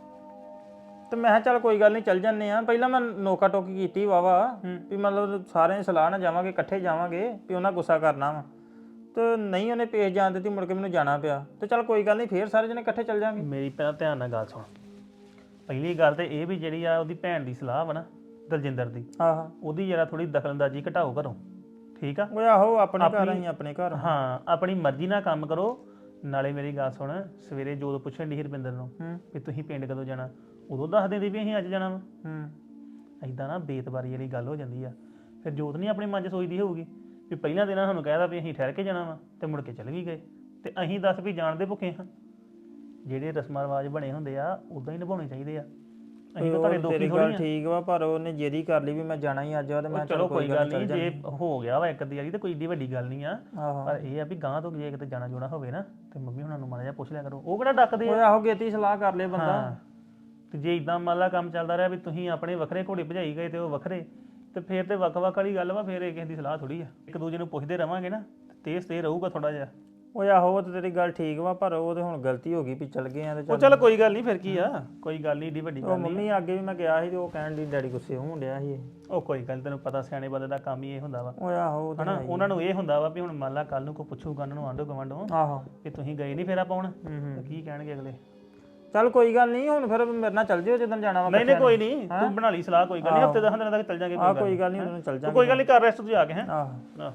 S6: ਤੇ ਮੈਂ ਕਿਹਾ ਚੱਲ ਕੋਈ ਗੱਲ ਨਹੀਂ ਚੱਲ ਜੰਨੇ ਆ। ਪਹਿਲਾਂ ਮੈਂ ਨੋਕਾ ਟੋਕੀ ਕੀਤੀ ਵਾਵਾ ਵੀ ਮਤਲਬ ਸਾਰਿਆਂ ਦੀ ਸਲਾਹ ਨਾਲ ਜਾਵਾਂਗੇ ਇਕੱਠੇ ਜਾਵਾਂਗੇ ਵੀ ਉਹਨਾਂ ਗੁੱਸਾ ਕਰਨਾ ਵਾ ਤੇ ਨਹੀਂ ਉਹਨੇ ਪੇਸ਼ ਜਾਣ ਦਿੱਤੀ ਮੁੜ ਕੇ ਮੈਨੂੰ ਜਾਣਾ ਪਿਆ ਤੇ ਚੱਲ ਕੋਈ ਗੱਲ ਨਹੀਂ ਫੇਰ ਸਾਰੇ ਜਣੇ ਇਕੱਠੇ ਚੱਲ ਜਾਵਾਂਗੇ।
S7: ਮੇਰੀ ਪਹਿਲਾਂ ਧਿਆਨ ਨਾਲ ਗੱਲ ਸੁਣ। ਪਹਿਲੀ ਗੱਲ ਤੇ ਇਹ ਵੀ ਜਿਹੜੀ ਆ ਉਹਦੀ ਭੈਣ ਦੀ ਸਲਾਹ ਵਾ ਨਾ ਦਲਜਿੰਦਰ ਦੀ
S6: ਆਹ
S7: ਉਹਦੀ ਜਰਾ ਥੋੜੀ ਦਖਲਅੰਦਾਜ਼ੀ ਘਟਾਓ ਘਰੋਂ ਠੀਕ ਆ।
S6: ਓਏ ਆਹੋ ਆਪਣੇ ਘਰ ਅਸੀਂ ਆਪਣੇ ਘਰ।
S7: ਹਾਂ ਆਪਣੀ ਮਰਜ਼ੀ ਨਾਲ ਕੰਮ ਕਰੋ। ਨਾਲੇ ਮੇਰੀ ਗੱਲ ਸੁਣ ਸਵੇਰੇ ਜਦੋਂ ਪੁੱਛਣ ਦੀ ਰੁਪਿੰਦਰ ਨੂੰ ਵੀ ਤੁਸੀਂ ਪਿੰਡ ਕਦੋਂ ਜਾਣਾ ਉਦੋਂ ਦੱਸ ਦਿੰਦੀ ਵੀ ਅਸੀਂ ਅੱਜ ਜਾਣਾ ਵਾ।
S6: ਹੂੰ
S7: ਐਦਾਂ ਨਾ ਬੇਤਬਾਰੀ ਵਾਲੀ ਗੱਲ ਹੋ ਜਾਂਦੀ ਆ। ਫਿਰ ਜੋਤ ਨਹੀਂ ਆਪਣੇ ਮਨ 'ਚ ਸੋਚਦੀ ਹੋਊਗੀ ਵੀ ਪਹਿਲਾਂ ਦਿਨਾਂ ਸਾਨੂੰ ਕਹਿਦਾ ਵੀ ਅਸੀਂ ਠਹਿਰ ਕੇ ਜਾਣਾ ਵਾ ਤੇ ਮੁੜ ਕੇ ਚੱਲ ਵੀ ਗਏ ਤੇ ਅਸੀਂ ਦੱਸ ਵੀ ਜਾਣ ਦੇ ਭੁੱਖੇ ਹਾਂ। ਜਿਹੜੇ ਰਸਮਾਂ ਰਿਵਾਜ ਬਣੇ ਹੁੰਦੇ ਆ ਉਦਾਂ ਹੀ ਨਿਭਾਉਣੇ ਚਾਹੀਦੇ ਆ। ਅਸੀਂ ਤਾਂ ਤੁਹਾਡੇ ਦੋਖੀ ਥੋੜੀ ਆ।
S6: ਠੀਕ ਵਾ ਪਰ ਉਹਨੇ ਜੇਰੀ ਕਰ ਲਈ ਵੀ ਮੈਂ ਜਾਣਾ ਹੀ ਅੱਜ ਆ ਤੇ ਮੈਂ
S7: ਚਲੋ ਕੋਈ ਗੱਲ ਨਹੀਂ ਜੇ ਹੋ ਗਿਆ ਵਾ ਇੱਕ ਦੀ ਵਾਰੀ ਤੇ ਕੋਈ ਏਡੀ ਵੱਡੀ ਗੱਲ ਨਹੀਂ ਆ।
S6: ਆਹੋ
S7: ਪਰ ਇਹ ਆ ਵੀ ਗਾਂ ਤੋਂ ਜੇ ਕਿਤੇ ਜਾਣਾ ਜੋਣਾ ਹੋਵੇ ਨਾ ਤੇ ਮੰਮੀ ਹੁਣਾਂ ਨੂੰ ਮਾੜਾ ਜਿਹਾ ਪੁੱਛ ਲਿਆ ਕਰੋ। ਉਹ ਕਿਹੜਾ ਡੱਕਦੇ
S6: ਓਏ
S7: ਆ।
S6: ਆਹੋ ਗੇਤੀ ਸਲਾਹ ਕਰ ਲੈ ਬੰਦਾ।
S7: ਹਾਂ ਤੇ ਜੇ ਇਦਾਂ ਮੰਨ ਲਾ ਕੰਮ ਚੱਲਦਾ ਰਿਹਾ ਵੀ ਤੁਸੀਂ ਆਪਣੇ ਵੱਖਰੇ ਘੋੜੇ ਭਜਾਈ ਗਏ ਤੇ ਉਹ ਵੱਖਰੇ ਤੇ ਫੇਰ ਤੇ ਵੱਖ-ਵੱਖ ਵਾਲੀ ਗੱਲ ਵਾ। ਫੇਰ ਇਹ ਕਿਸੇ ਦੀ ਸਲਾਹ ਥੋੜੀ ਆ। ਇੱਕ ਦੂਜੇ ਨੂੰ ਪੁੱਛਦੇ ਰਵਾਂਗੇ ਨਾ ਤੇਜ਼ ਤੇ ਰਹੂਗਾ ਥੋੜਾ ਜਿਹਾ।
S6: ਓਏ ਆਹੋ ਉਹ ਤੇ ਤੇਰੀ ਗੱਲ ਠੀਕ ਵਾ ਪਰ ਉਹ ਤੇ ਹੁਣ ਗਲਤੀ ਹੋ ਗਈ ਵੀ ਚੱਲ ਗਏ ਆ ਤੇ
S7: ਉਹ ਚੱਲ ਕੋਈ ਗੱਲ ਨਹੀਂ ਫਿਰ ਕੀ ਆ ਕੋਈ ਗੱਲ ਨਹੀਂ ਏਡੀ ਵੱਡੀ
S6: ਉਹ
S7: ਗੱਲ ਨਹੀਂ।
S6: ਮੰਮੀ ਅੱਗੇ ਵੀ ਮੈਂ ਗਿਆ ਸੀ ਤੇ ਉਹ ਕਹਿਣ ਦੀ ਡੈਡੀ ਗੁੱਸੇ ਹੋਣ ਡਿਆ ਸੀ।
S7: ਉਹ ਕੋਈ ਗੱਲ ਤੈਨੂੰ ਪਤਾ ਸਿਆਣੇ ਬੰਦੇ ਦਾ ਕੰਮ ਹੀ ਇਹ ਹੁੰਦਾ ਵਾ
S6: ਓਏ ਆਹੋ ਉਹ ਤਾਂ
S7: ਹਨਾ। ਉਹਨਾਂ ਨੂੰ ਇਹ ਹੁੰਦਾ ਵਾ ਵੀ ਹੁਣ ਮੰਨ ਲਾ ਕੱਲ ਨੂੰ ਕੋਈ ਪੁੱਛੂਗਾ ਉਹਨਾਂ ਨੂੰ ਆਂਢੋ ਗਵਾਂਢੋਂ
S6: ਆਹੋ
S7: ਕਿ ਤੁਸੀਂ ਗਏ ਨਹੀਂ ਫੇਰਾ ਪਾਉਣ ਤੇ ਕੀ ਕਹਿਣਗੇ ਅਗਲੇ।
S6: ਚੱਲ ਕੋਈ ਗੱਲ ਨਹੀਂ ਹੁਣ ਫਿਰ ਮੇਰੇ ਨਾਲ ਚੱਲ ਜਿਓ ਜਦੋਂ ਜਾਣਾ ਵਾ।
S7: ਨਹੀਂ ਨਹੀਂ ਕੋਈ ਨਹੀਂ ਤੂੰ ਬਣਾ ਲਈ ਸਲਾਹ ਕੋਈ ਗੱਲ ਨਹੀਂ ਹਫਤੇ ਦਸ ਦਿਨਾਂ ਤੱਕ ਚੱਲ ਜਾਾਂਗੇ।
S6: ਆ ਕੋਈ ਗੱਲ ਨਹੀਂ ਉਹਨੂੰ ਚੱਲ ਜਾਾਂਗੇ।
S7: ਕੋਈ ਗੱਲ ਨਹੀਂ ਕਰ ਰੈਸਟ ਤੂੰ ਜਾ ਕੇ ਹੈ।
S6: ਆਹੋ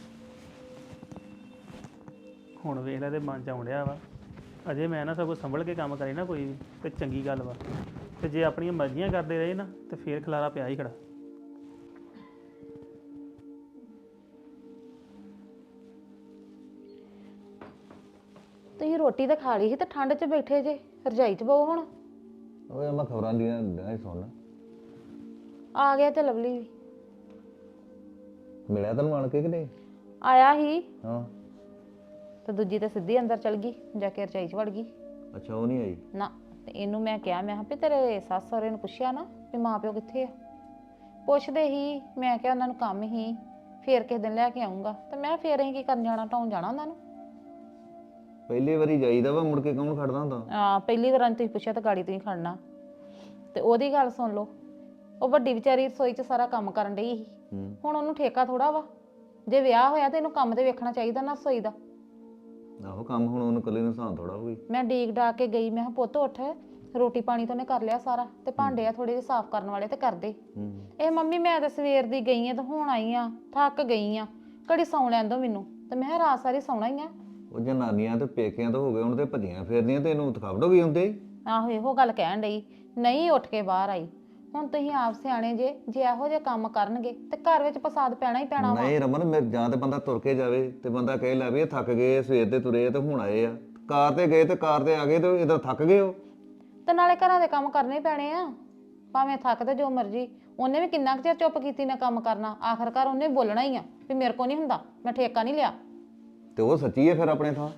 S7: ਹੁਣ ਵੇਖ ਲੈ ਤੇ ਮਨ ਚ ਆਉਂਦਿਆ ਵਾ ਅਜੇ ਮੈਂ ਨਾ ਸਭ ਕੁਝ ਸੰਭਲ ਕੇ ਕੰਮ ਕਰੇ ਨਾ ਕੋਈ ਵੀ ਤੇ ਚੰਗੀ ਗੱਲ ਵਾ ਤੇ ਜੇ ਆਪਣੀਆਂ ਮਰਜ਼ੀਆਂ ਕਰਦੇ ਰਹੇ ਨਾ ਤੇ ਫੇਰ ਖਲਾਰਾ ਪਿਆ ਹੀ ਖੜਾ।
S3: ਤੁਸੀਂ ਰੋਟੀ ਤਾਂ ਖਾ ਲਈ ਸੀ ਤੇ ਠੰਡ 'ਚ ਬੈਠੇ ਜੇ ਰਜਾਈ 'ਚ ਬਹੋ ਹੁਣ।
S4: ਓਏ ਮੈਂ ਖਬਰਾਂ ਦੀਆਂ ਨਹੀਂ ਸੁਣ
S3: ਆ ਗਿਆ ਤੇ ਲਵਲੀ ਵੀ
S4: ਮਿਲਿਆ ਤੈਨੂੰ ਆਣ ਕੇ ਕਿ ਨਹੀਂ।
S3: ਆਇਆ ਹੀ
S4: ਹਾਂ
S3: ਤੇ ਦੂਜੀ ਤੇ ਸਿੱਧੀ ਅੰਦਰ ਚਲ ਗਈ ਜਾ ਕੇ ਰਜਾਈ 'ਚ ਵੜ ਗਈ।
S4: ਅੱਛਾ ਉਹ ਨਹੀਂ ਆਈ।
S3: ਨਾ ਤੇ ਇਹਨੂੰ ਮੈਂ ਕਿਹਾ ਮੈਂ ਕਿਹਾ ਵੀ ਤੇਰੇ ਸੱਸ ਸਹੁਰੇ ਨੂੰ ਪੁੱਛਿਆ ਨਾ ਵੀ ਮਾਂ ਪਿਓ ਕਿੱਥੇ ਆ। ਪੁੱਛਦੇ ਹੀ ਮੈਂ ਕਿਹਾ ਉਹਨਾਂ ਨੂੰ ਕੰਮ ਹੀ ਫੇਰ ਕਿਸੇ ਦਿਨ ਲੈ ਕੇ ਆਉਂਗਾ ਤੇ ਮੈਂ ਫੇਰ ਅਸੀਂ ਕੀ ਕਰਨ ਜਾਣਾ ਢਾਉਣ ਜਾਣਾ ਉਹਨਾਂ ਨੂੰ।
S4: ਪਹਿਲੀ ਵਾਰੀ ਜਾਈਦਾ ਵਾ ਮੁੜ ਕੇ ਕੌਣ ਖੜਦਾ ਹੁੰਦਾ।
S3: ਆ ਪਹਿਲੀ ਵਾਰ ਤੁਸੀਂ ਪੁੱਛਿਆ ਤਾਂ ਗਾੜੀ ਤੁਸੀਂ ਖੜਨਾ ਤੇ ਉਹਦੀ ਗੱਲ ਸੁਣ ਲਓ ਉਹ ਵੱਡੀ ਵਿਚਾਰੀ ਰਸੋਈ 'ਚ ਸਾਰਾ ਕੰਮ ਕਰਨ ਡਈ ਸੀ
S4: ਹੂੰ
S3: ਹੁਣ ਉਹਨੂੰ ਠੇਕਾ ਥੋੜਾ ਵਾ ਜੇ ਵਿਆਹ ਹੋਇਆ ਤੇ ਇਹਨੂੰ ਕੰਮ ਤੇ ਵੇਖਣਾ ਚਾਹੀਦਾ ਨਾ ਰਸੋਈ ਦਾ।
S4: ਆਹੋ ਕੰਮ ਹੁਣ ਉਹਨੂੰ ਕੱਲੇ ਨੂੰ ਸਾਂ ਥੋੜਾ ਹੋਈ।
S3: ਮੈਂ ਡੀਕ ਡਾਕ ਕੇ ਗਈ, ਮੈਂ ਕਿਹਾ ਪੁੱਤ ਉੱਠ, ਰੋਟੀ ਪਾਣੀ ਤਾਂ ਉਹਨੇ ਕਰ ਲਿਆ ਸਾਰਾ, ਤੇ ਭਾਂਡੇ ਆ ਥੋੜੇ ਜਿਹੇ ਸਾਫ਼ ਕਰਨ ਵਾਲੇ ਤੇ ਕਰ ਦੇ।
S4: ਹੂੰ
S3: ਇਹ ਮੰਮੀ ਮੈਂ ਤਾਂ ਸਵੇਰ ਦੀ ਗਈ ਆ ਤੇ ਹੁਣ ਆਈ ਆ, ਥੱਕ ਗਈ ਆ, ਘੜੀ ਸੌਂ ਲੈਣ ਦੋ ਮੈਨੂੰ। ਤੇ ਮੈਂ ਕਿਹਾ ਰਾਤ ਸਾਰੀ ਸੌਣਾ ਹੀ ਆ।
S4: ਉਹ ਜਨਾਨੀਆਂ ਤੇ ਪੇਕਿਆਂ ਤੋਂ ਹੋ ਗਏ ਹੁਣ ਤੇ ਭੱਜੀਆਂ ਫੇਰਦੀਆਂ ਤੇ ਇਹਨੂੰ ਥਕਾਵਟ ਹੋ ਗਈ ਹੁੰਦੇ।
S3: ਆਹੋ ਇਹੋ ਗੱਲ ਕਹਿਣ ਡਈ, ਨਹੀਂ ਉੱਠ ਕੇ ਬਾਹਰ ਆਈ। ਹੁਣ ਤੁਸੀਂ ਆਪ ਸਿਆਣੇ ਜੇ, ਜੇ ਇਹੋ ਜਿਹੇ ਕੰਮ ਕਰਨਗੇ ਤੇ ਘਰ ਵਿੱਚ ਫਸਾਦ ਪੈਣਾ ਹੀ ਪੈਣਾ ਵਾ।
S4: ਨਹੀਂ ਰਮਨ, ਮੈਂ ਜਾਂ ਤੇ ਬੰਦਾ ਤੁਰ ਕੇ ਜਾਵੇ ਤੇ ਬੰਦਾ ਕਹੇ ਲੈ ਵੀ ਇਹ ਥੱਕ ਗਏ, ਸਵੇਰ ਦੇ ਤੁਰੇ ਤੇ ਹੁਣ ਆਏ ਆ। ਕਾਰ ਤੇ ਗਏ ਤੇ ਕਾਰ ਤੇ ਆ ਗਏ ਤੇ ਇਧਰ ਥੱਕ ਗਏ ਹੋ।
S3: ਤੇ ਨਾਲੇ ਘਰਾਂ ਦੇ ਕੰਮ ਕਰਨੇ ਹੀ ਪੈਣੇ ਆ, ਭਾਵੇਂ ਥੱਕ ਤੇ ਜੋ ਮਰਜੀ। ਉਹਨੇ ਵੀ ਕਿੰਨਾ ਕੁ ਚਿਰ ਚੁੱਪ ਕੀਤੀ ਨਾ ਕੰਮ ਕਰਨਾ, ਆਖਰਕਾਰ ਉਹਨੇ ਬੋਲਣਾ ਹੀ ਆ ਵੀ ਮੇਰੇ ਕੋ ਨਹੀਂ ਹੁੰਦਾ, ਮੈਂ ਠੇਕਾ ਨਹੀਂ ਲਿਆ।
S4: ਤੇ ਉਹ ਸੱਚੀ ਹੈ ਫਿਰ ਆਪਣੇ ਥਾਂ।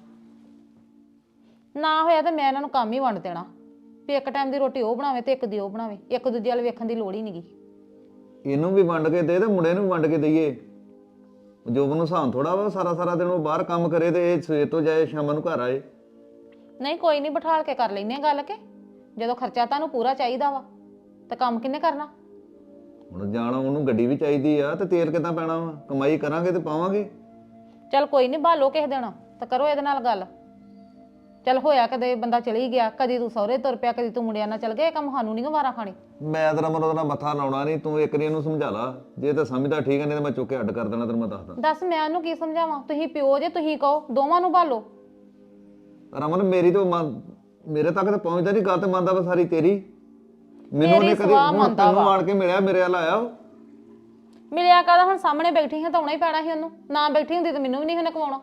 S3: ਨਾ ਹੋਇਆ ਤੇ ਮੈਂ ਇਹਨਾਂ ਨੂੰ ਕੰਮ ਹੀ ਵੰਡ ਦੇਣਾ ਵੀ ਇੱਕ ਟਾਈਮ ਦੀ ਰੋਟੀ ਉਹ ਬਣਾਵੇ ਤੇ ਇੱਕ ਦੀ ਉਹ ਬਣਾਵੇ, ਇੱਕ ਦੂਜੇ ਵੱਲ ਵੇਖਣ ਦੀ ਲੋੜ ਹੀ ਨਹੀਂਗੀ।
S4: ਇਹਨੂੰ ਵੀ ਵੰਡ ਕੇ ਦੇ ਤੇ ਮੁੰਡੇ ਨੂੰ ਵੀ ਵੰਡ ਕੇ ਦਈਏ। ਜੋਬ ਨੂੰ ਸਾਂ ਥੋੜਾ ਵਾ ਸਾਰਾ ਸਾਰਾ ਦਿਨ ਉਹ ਬਾਹਰ ਕੰਮ ਕਰੇ ਤੇ ਇਹ ਸਵੇਰ ਤੋਂ ਜਾਏ ਸ਼ਾਮ ਨੂੰ ਘਰ ਆਏ।
S3: ਨਹੀਂ ਕੋਈ ਨਹੀਂ, ਬਿਠਾਲ ਕੇ ਕਰ ਲੈਨੇ ਗੱਲ ਕੇ, ਜਦੋਂ ਖਰਚਾ ਤੁਹਾਨੂੰ ਪੂਰਾ ਚਾਹੀਦਾ ਵਾ ਤਾਂ ਕੰਮ ਕਿੰਨੇ ਕਰਨਾ।
S4: ਹੁਣ ਜਾਣਾ ਉਹਨੂੰ ਗੱਡੀ ਵੀ ਚਾਹੀਦੀ ਆ ਤੇ ਤੇਲ ਕਿੱਦਾਂ ਪੈਣਾ ਵਾ, ਕਮਾਈ ਕਰਾਂਗੇ ਤੇ ਪਾਵਾਂਗੇ।
S3: ਚੱਲ ਕੋਈ ਨਹੀਂ, ਭਾਲੋ ਕਿਸੇ ਦਿਨ ਤਾਂ ਕਰੋ ਇਹਦੇ ਨਾਲ ਗੱਲ। ਚੱਲ ਹੋਇਆ ਕਦੇ ਬੰਦਾ ਚਲੀ ਗਿਆ, ਕਦੀ ਤੂੰ ਸਹੁਰੇ ਤੁਰ ਪਿਆ, ਕਦੀ ਤੂੰ ਮੁੰਡਿਆਂ ਨਾਲ ਚੱਲ ਗਿਆ, ਇਹ ਕੰਮ ਸਾਨੂੰ ਨਹੀਂ ਗਵਾਰਾ ਖਾਣੇ।
S4: ਮੈਂ ਤੇਰਾ ਮਨ ਉਹਦਾ ਨਾਲ ਮੱਥਾ ਲਾਉਣਾ ਨਹੀਂ, ਤੂੰ ਇੱਕ ਵਾਰੀ ਇਹਨੂੰ ਸਮਝਾ ਲਾ, ਜੇ ਤਾਂ ਸਮਝਦਾ ਠੀਕ ਹੈ, ਨਹੀਂ ਤਾਂ ਮੈਂ ਚੁੱਕ ਕੇ ਅੱਡ ਕਰ ਦੇਣਾ, ਤੈਨੂੰ ਮੈਂ ਦੱਸਦਾ।
S3: ਦੱਸ ਮੈਂ ਉਹਨੂੰ ਕੀ ਸਮਝਾਵਾਂ, ਤੁਸੀਂ ਪਿਓ ਜੇ, ਤੁਸੀਂ ਕਹੋ, ਦੋਵਾਂ ਨੂੰ ਭਾਲੋ।
S4: ਰਮਨ ਮੇਰੀ ਤਾਂ ਮਨ- ਮੇਰੇ ਤੱਕ ਤਾਂ ਪਹੁੰਚਦਾ ਨਹੀਂ, ਗੱਲ ਤੇ ਮੰਨਦਾ ਵਾ ਸਾਰੀ ਤੇਰੀ। ਮੈਨੂੰ ਉਹਨੇ
S3: ਮੇਰੀ
S4: ਕਦੇ
S3: ਸਵਾਹ
S4: ਹੁਣ
S3: ਮੰਨਦਾ
S4: ਤੈਨੂੰ
S3: ਵਾ।
S4: ਆਣ ਕੇ ਮਿਲਿਆ, ਮੇਰੇ ਵੱਲ ਆਇਆ ਉਹ।
S3: ਮਿਲਿਆ ਕਾਹਦਾ, ਹੁਣ ਸਾਹਮਣੇ ਬੈਠੀ ਹਾਂ ਤਾਂ ਆਉਣਾ ਹੀ ਪੈਣਾ ਸੀ ਉਹਨੂੰ, ਨਾ ਬੈਠੀ ਹੁੰਦੀ ਤਾਂ ਮੈਨੂੰ ਵੀ ਨਹੀਂ ਉਹਨੇ ਕਮਾਉਣਾ।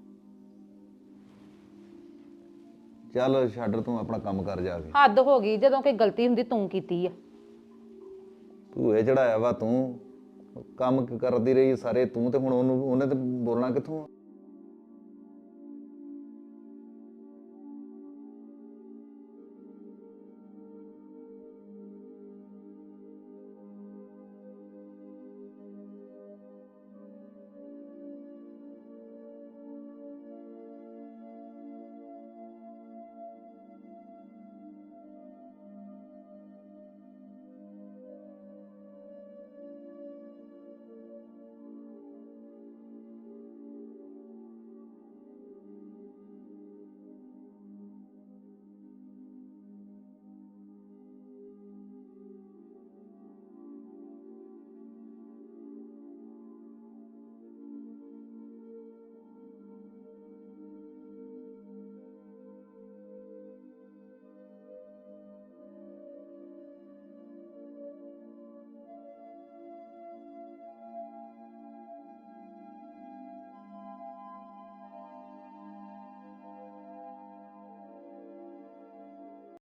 S4: ਚੱਲ ਛੱਡ, ਤੂੰ ਆਪਣਾ ਕੰਮ ਕਰ ਜਾ ਕੇ।
S3: ਹੱਦ ਹੋ ਗਈ, ਜਦੋਂ ਕੋਈ ਗਲਤੀ ਹੁੰਦੀ ਤੂੰ ਕੀਤੀ ਆ।
S4: ਭੂਏ ਚੜਾਇਆ ਵਾ ਤੂੰ, ਕੰਮ ਕਰਦੀ ਰਹੀ ਸਾਰੇ ਤੂੰ, ਤੇ ਹੁਣ ਉਹਨੂੰ ਉਹਨੇ ਤੇ ਬੋਲਣਾ ਕਿੱਥੋਂ ਆ?